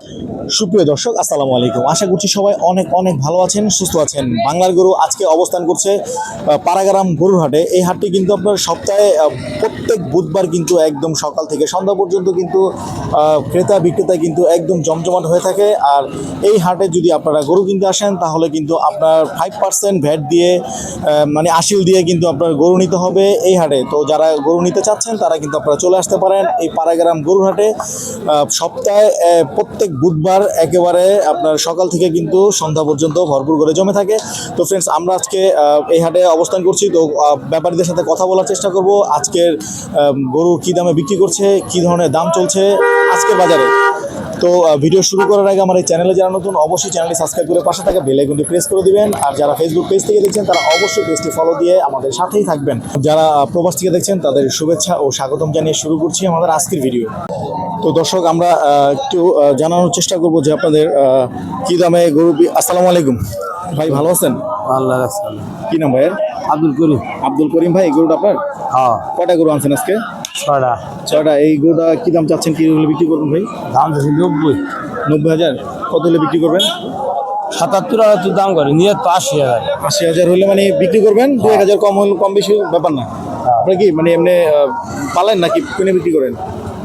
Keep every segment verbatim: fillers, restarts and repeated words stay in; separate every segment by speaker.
Speaker 1: সুপ্রিয় দর্শক, আসসালামু আলাইকুম। আশা করছি সবাই অনেক অনেক ভালো আছেন, সুস্থ আছেন। বাংলার গরু আজকে অবস্থান করছে পাড়াগ্রাম গরুর হাটে। এই হাটটি কিন্তু আপনার সপ্তাহে প্রত্যেক বুধবার কিন্তু একদম সকাল থেকে সন্ধ্যা পর্যন্ত কিন্তু ক্রেতা বিক্রেতা কিন্তু একদম জমজমাট হয়ে থাকে। আর এই হাটে যদি আপনারা গরু কিনতে আসেন তাহলে কিন্তু আপনার ফাইভ পার্সেন্ট ভ্যাট দিয়ে মানে আশিল দিয়ে কিন্তু আপনার গরু নিতে হবে এই হাটে। তো যারা গরু নিতে চাচ্ছেন তারা কিন্তু আপনারা চলে আসতে পারেন এই পাড়াগ্রাম গরুর হাটে। সপ্তাহে প্রত্যেক বুধবার একেবারে আপনার সকাল থেকে কিন্তু সন্ধ্যা পর্যন্ত ভরপুর করে জমে থাকে। তো ফ্রেন্ডস, আমরা আজকে এই হাটে অবস্থান করছি। তো ব্যাপারীদের সাথে কথা বলার চেষ্টা করব আজকের গরু কী দামে বিক্রি করছে, কী ধরনের দাম চলছে আজকের বাজারে। তো ভিডিও শুরু করার আগে আমার এই চ্যানেলে যারা নতুন অবশ্যই চ্যানেলটি সাবস্ক্রাইব করে পাশে থাকা বেল আইকনটি প্রেস করে দিবেন। আর যারা ফেসবুক পেজ থেকে দেখছেন তারা অবশ্যই পেজটি ফলো দিয়ে আমাদের সাথেই থাকবেন। যারা প্রবাস থেকে দেখছেন তাদের শুভেচ্ছা ও স্বাগতম জানিয়ে শুরু করছি আমাদের আজকের ভিডিও। তো দর্শক, আমরা একটু জানানোর চেষ্টা করব যে আপনাদের কী দামে গরু। আসসালামু আলাইকুম ভাই, ভালো আছেন?
Speaker 2: আল্লাহ
Speaker 1: কি নাম ভাইয়ের?
Speaker 2: আব্দুল করিম।
Speaker 1: আব্দুল করিম ভাই, এই গরুটা আপনার?
Speaker 2: হ্যাঁ।
Speaker 1: কটা গরু আনছেন আজকে?
Speaker 2: ছয়টা।
Speaker 1: ছয়টা। এই গরুটা কী দাম চাচ্ছেন, কী হলে বিক্রি করবেন ভাই?
Speaker 2: দাম চাচ্ছি নব্বই।
Speaker 1: নব্বই হাজার। কত হলে বিক্রি করবেন?
Speaker 2: সাতাত্তর আটাত্তর দাম করে, নিয়ে তো আশি হাজার।
Speaker 1: আশি হাজার হলে মানে বিক্রি করবেন। দু এক হাজার কম হলে কম বেশি ব্যাপার না। আপনার কি মানে এমনি পালেন নাকি কিনে বিক্রি করেন?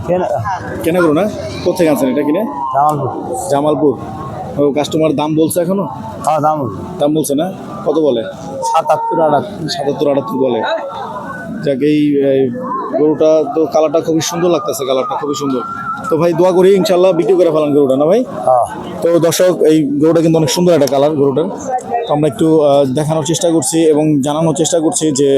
Speaker 1: কেনা করো না? কোথেকে আনছেন এটা কিনে?
Speaker 2: জামালপুর।
Speaker 1: জামালপুর। ও কাস্টমার দাম বলছে এখনো?
Speaker 2: হ্যাঁ, দাম
Speaker 1: দাম বলছে না? কত বলে?
Speaker 2: সাতাত্তর আটাত্তর।
Speaker 1: সাতাত্তর আটাত্তর বলে। যাক, এই গরুটা তো কালারটা খুবই সুন্দর লাগতেছে, কালারটা খুবই সুন্দর। তো ভাই দোয়া করি ইনশাল্লাহ বিক্রি করে ফেলান গরুটা, না ভাই?
Speaker 2: হ্যাঁ।
Speaker 1: তো দর্শক, এই গরুটা কিন্তু অনেক সুন্দর একটা কালার গরুটার। তো আমরা একটু দেখানোর চেষ্টা করছি এবং জানানোর চেষ্টা করছি যে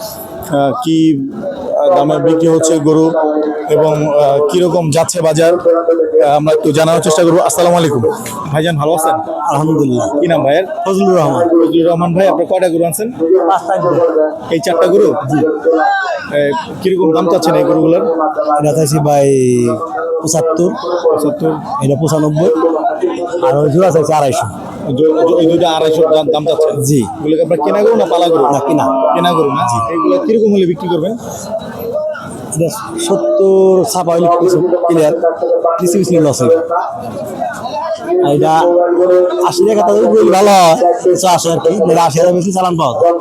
Speaker 1: কি দামে বিক্রি হচ্ছে গরু এবং কীরকম যাচ্ছে বাজার, আমরা একটু জানানোর চেষ্টা করবো। আসসালামু আলাইকুম ভাইজান, ভালো আছেন?
Speaker 2: আলহামদুলিল্লাহ।
Speaker 1: কি নাম ভাইয়ের?
Speaker 2: ফজলুর রহমান।
Speaker 1: ফজলুর রহমান ভাই, আপনার কয়টা গরু আনছেন? এই চারটা গরু? জি। কিরকম দাম চাচ্ছেন এই গরুগুলোর?
Speaker 2: এটা চাইছি ভাই পঁচাত্তর।
Speaker 1: পঁচাত্তর।
Speaker 2: এটা পঁচানব্বই। আর ওই জোড়া চাইছি আড়াইশো।
Speaker 1: ওই দুইটা আড়াইশো দাম চাচ্ছেন?
Speaker 2: জি।
Speaker 1: এগুলোকে আপনার কেনা গরু না পালা গরু?
Speaker 2: না, কেনা।
Speaker 1: কেনা গরু না? জি। এগুলো কিরকম হলে বিক্রি করবেন?
Speaker 2: সত্তর ছাপা হইলে ক্লিয়ার, কিছু কিছু লস হয়। এটা আশি টাকা তাদের ভালো হয়, কিছু আসে আর কি। আশি হাজার বেশি চালান পাওয়া যায়।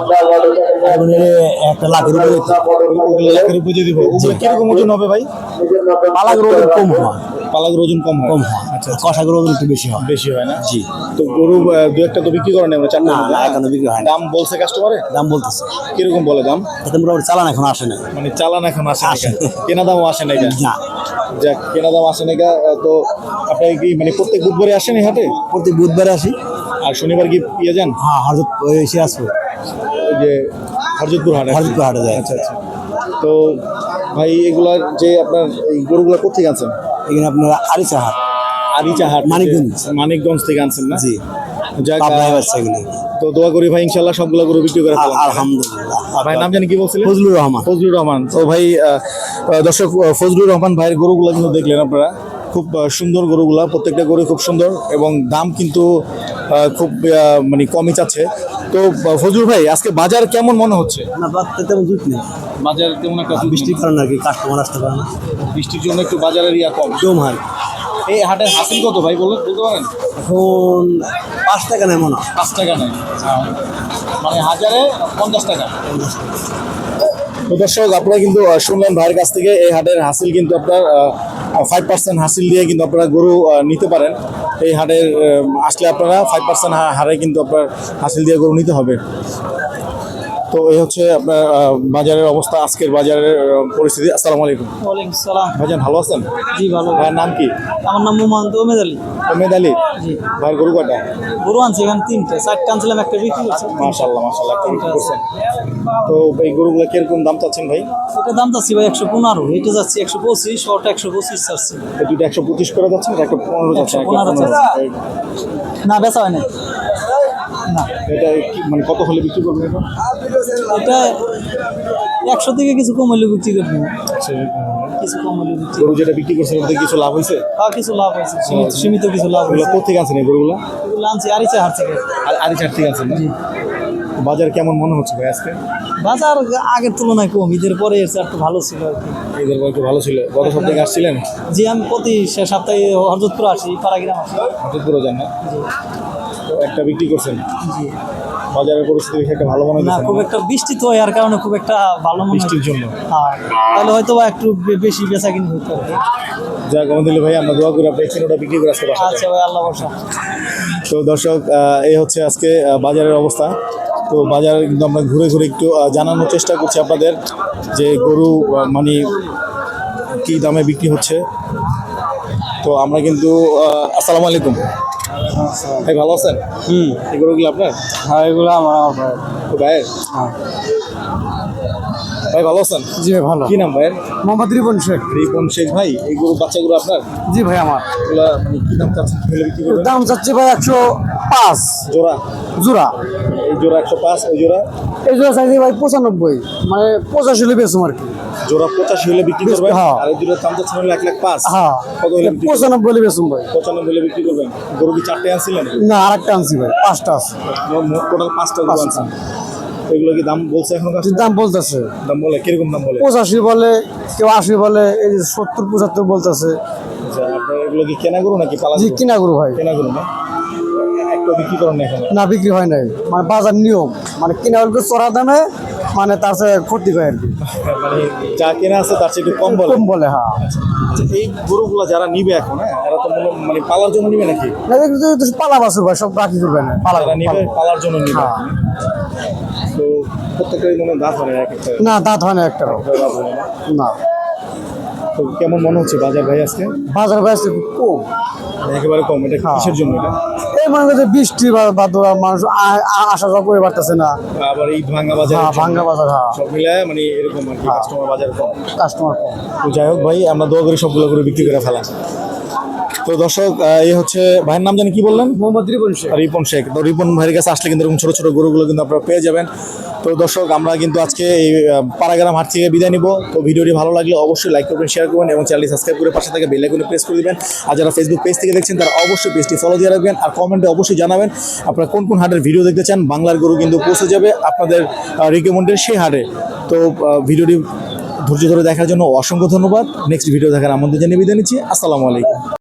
Speaker 2: একটা লাখের উপরে
Speaker 1: লাখের উপরে যদি দিব, কিরকম ওজন হবে ভাই?
Speaker 2: পালাগের ওজন কম হয়।
Speaker 1: পালাগের ওজন কম হয়?
Speaker 2: কম হয়। আচ্ছা, কষাগের ওজন একটু বেশি হয়।
Speaker 1: বেশি হয় না?
Speaker 2: জি।
Speaker 1: তো গরু দু একটা তো বিক্রি করেন আমরা? চারটা
Speaker 2: না, এখনো বিক্রি হয় না।
Speaker 1: দাম বলছে কাস্টমারে?
Speaker 2: দাম বলতেছে।
Speaker 1: কিরকম বলে দাম?
Speaker 2: এতে মোটামুটি চালান এখন আসে না।
Speaker 1: মানে চালান এখন আসে
Speaker 2: আসে।
Speaker 1: কেনা দামও আসে না?
Speaker 2: না।
Speaker 1: যাক, কেনা দাম আসে না। তো আপনি কি মানে প্রত্যেক বুধবারে আসেন এই হাটে?
Speaker 2: প্রতি বুধবারে আসি।
Speaker 1: আর শনিবার কি ইয়ে যান?
Speaker 2: হ্যাঁ, হরজত এসে আসবো।
Speaker 1: ওই যে হরজতপুর হাটে?
Speaker 2: হরজতপুর হাটে যায়।
Speaker 1: আচ্ছা আচ্ছা। তো ভাই এগুলার যে আপনার এই গরুগুলো কোথেকে আনছেন?
Speaker 2: এখানে আপনার আরিচা হাট।
Speaker 1: আরিচা হাট,
Speaker 2: মানিকগঞ্জ।
Speaker 1: মানিকগঞ্জ থেকে আনছেন না?
Speaker 2: জি।
Speaker 1: যাক,
Speaker 2: এগুলো
Speaker 1: তো দোয়া করি ভাই ইনশাল্লাহ সবগুলো গরু বিক্রি করে ফেলান।
Speaker 2: আলহামদুলিল্লাহ।
Speaker 1: ভাই নাম জানি কি বলছিলেন?
Speaker 2: ফজলুর রহমান।
Speaker 1: ফজলুর রহমান। তো ভাই দর্শক, ফজলুর রহমান ভাইয়ের গরুগুলো কিন্তু দেখলেন আপনারা, খুব সুন্দর গরুগুলা, প্রত্যেকটা গরু খুব সুন্দর এবং দাম কিন্তু খুব মানে কমই চাচ্ছে। তো ফজলুর ভাই, আজকে বাজার কেমন মনে হচ্ছে?
Speaker 2: না, বাজার তেমন জুট নেই।
Speaker 1: বাজার তেমন একটা
Speaker 2: বৃষ্টির কারণে আর কি কাস্টমার আসতে পারে না।
Speaker 1: বৃষ্টির জন্য একটু বাজারের ইয়া কম।
Speaker 2: জম হয়।
Speaker 1: এই হাটের হাসিল কত ভাই বলুন, বলতে পারেন?
Speaker 2: এখন পাঁচ টাকা নেই মনে হয়।
Speaker 1: পাঁচ টাকা নেই, মানে হাজারে পঞ্চাশ টাকা। তো দর্শক, আপনারা কিন্তু শুনলেন ভাইয়ের কাছ থেকে এই হাটের হাসিল কিন্তু আপনার ফাইভ পার্সেন্ট হাসিল দিয়ে কিন্তু আপনারা গরু নিতে পারেন। এই হাটের আসলে আপনারা ফাইভ পার্সেন্ট হারে কিন্তু আপনার হাসিল দিয়ে গরু নিতে হবে। তো এই হচ্ছে আপনার বাজারের অবস্থা, আজকের বাজারের পরিস্থিতি। আসসালামু আলাইকুম।
Speaker 3: ওয়ালাইকুম সালাম।
Speaker 1: ভাইজান ভালো আছেন?
Speaker 3: জি ভালো।
Speaker 1: ভাইয়ের নাম কি?
Speaker 3: আমার নাম মোহাম্মদ ওমেদ আলী।
Speaker 1: ওমেদ আলী।
Speaker 3: জি।
Speaker 1: ভাইয়ের গরু কয়টা?
Speaker 3: গরু আনছি এখানে তিনটে, চারটে আনছিলাম, একটা বিক্রি করছি।
Speaker 1: মাশাআল্লাহ মাশাআল্লাহ, তিনটা করছেন। তো এই গরুগুলো কিরকম দাম চাচ্ছেন ভাই?
Speaker 3: এটা দাম চাচ্ছি ভাই একশো পনেরো, এটা যাচ্ছি একশো পঁচিশ, ওটা একশো পঁচিশ চাচ্ছি।
Speaker 1: এই দুটো একশো পঁচিশ করে যাচ্ছেন, একটা পনেরো যাচ্ছে?
Speaker 3: না, বেচা হয় না। না,
Speaker 1: এটা মানে কত হলে বিক্রি করবেন এটা?
Speaker 3: এটা একশো থেকে কিছু কম হলে বিক্রি করবো। কিছু কম হলে বিক্রি।
Speaker 1: গরু যেটা বিক্রি করছেন ওতে কিছু লাভ হয়েছে?
Speaker 3: হ্যাঁ, কিছু লাভ হয়েছে, সীমিত- সীমিত কিছু লাভ
Speaker 1: এগুলো
Speaker 3: হয়েছে।
Speaker 1: কোথেকে আনছেন এই গরুগুলো?
Speaker 3: এগুলো আনছি আরিচা হাট থেকে।
Speaker 1: আর আরিচার থেকে আনছেন না? বাজার কেমন মনে হচ্ছে ভাই আজকে?
Speaker 3: বাজার আগের তুলনায় কম, ঈদের পরে এর চেয়ে একটু ভালো ছিল আর কি।
Speaker 1: ঈদের পর একটু ভালো ছিল। গত সপ্তাহে আসছিলেন?
Speaker 3: জি, আমি প্রতি সে সপ্তাহে হরজতপুর আসি, পাড়াগ্রাম আসি।
Speaker 1: হঠাৎ যান না? তো একটা বিক্রি করছেন।
Speaker 3: জি।
Speaker 1: বাজারের পরিস্থিতি বেশি একটা ভালো মনে
Speaker 3: না,
Speaker 1: হচ্ছে
Speaker 3: খুব একটা বৃষ্টি তো এর কারণে খুব একটা ভালো মনে
Speaker 1: বৃষ্টির
Speaker 3: হচ্ছে।
Speaker 1: জন্য।
Speaker 3: হ্যাঁ, তাহলে হয়তো বা একটু বে- বেশি বেচা কিনি হইতে হবে।
Speaker 1: যাক আলহামদুলিল্লাহ ভাই, আমরা দোয়া করি আপনি ওটা বিক্রি করে আসতে পারছেন।
Speaker 3: আচ্ছা ভাই, আল্লাহ ভরসা।
Speaker 1: তো দর্শক, আহ, এই হচ্ছে আজকে আহ, বাজারের অবস্থা। তো বাজার কিন্তু আমরা ঘুরে ঘুরে একটু আহ, জানানোর চেষ্টা করছি আপনাদের যে গরু আহ, মানে কী দামে বিক্রি হচ্ছে। তো আমরা কিন্তু আহ, আসসালামু আলাইকুম ভাই, ভালো আছেন?
Speaker 2: হুম।
Speaker 1: এই গরুগুলো আপনার?
Speaker 2: হ্যাঁ, এগুলো আমার আমার ভাই।
Speaker 1: তো ভাইয়ের? ভাই ভালো আছেন?
Speaker 2: জি ভাই, ভালো।
Speaker 1: কি নাম ভাইয়ের?
Speaker 2: মোহাম্মদ রিপন শেখ।
Speaker 1: রিপন শেখ ভাই। এই গরু বাচ্চাগুলো আপনার?
Speaker 2: জি ভাই, আমার।
Speaker 1: এগুলা মানে কি দাম চাচ্ছেন, কিভাবে বিক্রি করবেন?
Speaker 2: দাম চাচ্ছি ভাই একশো পাঁচ
Speaker 1: জোড়া?
Speaker 2: জোড়া।
Speaker 1: এই জোড়া একশো পাঁচ, ওই জোড়া?
Speaker 2: এই জোড়া চাইছি ভাই পঁচানব্বই, মানে পঁচাশি হলে বেচুম আর কি।
Speaker 1: জোড়া পঁচাশি হলে বিক্রি করবেন?
Speaker 2: হ্যাঁ।
Speaker 1: আর এই জোড়ার দাম চাচ্ছেন হলো এক লাখ পাঁচ।
Speaker 2: হ্যাঁ,
Speaker 1: কত হলে বিক্রি করবেন?
Speaker 2: পঁচানব্বই হলে বেচুম ভাই।
Speaker 1: পঁচানব্বই হলে বিক্রি করবেন। গরু কি চারটে আনছিলেন?
Speaker 2: না, আরেকটা আনছি ভাই, পাঁচটা আছে।
Speaker 1: টোটাল পাঁচটা গরু
Speaker 2: পাঁচটা।
Speaker 1: আনছেন। তো এগুলো কি দাম বলছে এখন?
Speaker 2: দাম বলতেছে
Speaker 1: দাম বলে কিরকম দাম বলে?
Speaker 2: পঁচাশি বলে, কেউ আশি বলে, এই যে সত্তর পঁচাত্তর বলতেছে।
Speaker 1: আচ্ছা, আপনার এগুলো কি কেনা গরু নাকি পালা
Speaker 2: জি,
Speaker 1: গরু?
Speaker 2: কিনা গরু ভাই।
Speaker 1: কেনা গরু না? একটা বিক্রি করেন না এখন?
Speaker 2: না, বিক্রি হয় নাই, মানে বাজার নিয়ম, মানে কিনা হলে চড়া দামে, মানে তার সাথে ক্ষতি হয় আর কি।
Speaker 1: মানে যা কেনা আছে তার চেয়ে একটু কম বলে?
Speaker 2: কম বলে, হ্যাঁ।
Speaker 1: আচ্ছা, এই গরুগুলো যারা নিবে এখন, হ্যাঁ, এরা তো মনে- মানে পালার জন্য নিবে নাকি?
Speaker 2: না, দেখি তো- তো পালা বাসুর ভাই, সব রাখি করবে না, পালা
Speaker 1: যারা নিবে
Speaker 2: পালা।
Speaker 1: পালার জন্য নিবে।
Speaker 2: হ্যাঁ।
Speaker 1: তো প্রত্যেকটাই মনে হয় দাঁত হয় না, এক একটা
Speaker 2: না, দাঁত হয় না একটারও।
Speaker 1: দাঁত হয় না।
Speaker 2: না,
Speaker 1: তো কেমন মনে হচ্ছে বাজার ভাই আজকে?
Speaker 2: বাজার ব্যস্ত কম।
Speaker 1: একেবারে কম। এটা
Speaker 2: হ্যাঁ।
Speaker 1: কিসের জন্য এটা?
Speaker 2: এই মনে করছে বৃষ্টি বা বাদলা, মানুষ আ- আ- আসা যাওয়া করে পারতেছে না।
Speaker 1: আবার এই ভাঙ্গা বাজার,
Speaker 2: হ্যাঁ, ভাঙ্গা বাজার, হ্যাঁ,
Speaker 1: সব মিলায় মানে এরকম আর কি,
Speaker 2: হ্যাঁ।
Speaker 1: কাস্টমার বাজার কম।
Speaker 2: কাস্টমার কম।
Speaker 1: তো যাই হোক ভাই, আমরা দোয়া করি সবগুলো করে বিক্রি করে ফেলা। তো দর্শক, আহ, এই হচ্ছে ভাইয়ের নাম জানি কি বললেন?
Speaker 2: মোহাম্মদ রিপন শেখ।
Speaker 1: রিপন শেখ। তো রিপন ভাইয়ের কাছে আসলে কিন্তু এরকম ছোটো ছোটো গরুগুলো কিন্তু আপনারা পেয়ে যাবেন। তো দর্শক, আমরা কিন্তু আজকে এই আহ, পাড়াগ্রাম হাট থেকে বিদায় নিব। তো ভিডিওটি ভালো লাগলে অবশ্যই লাইক করবেন, শেয়ার করবেন এবং চ্যানেলটি সাবস্ক্রাইব করে পাশে থেকে বেল আইকনে প্রেস করে দিবেন। আর যারা ফেসবুক পেজ থেকে দেখছেন তারা অবশ্যই পেজটি ফলো দিয়ে রাখবেন। আর কমেন্টে অবশ্যই জানাবেন আপনারা কোন কোন হাটের ভিডিও দেখতে চান। বাংলার গরু কিন্তু পৌঁছে যাবে আপনাদের রিকমেন্ডের সেই হাটে। তো আহ, ভিডিওটি ধৈর্য ধরে দেখার জন্য অসংখ্য ধন্যবাদ। নেক্সট ভিডিও দেখার আমন্ত্রণ জানিয়ে বিদায় নিচ্ছি। আসসালামু আলাইকুম।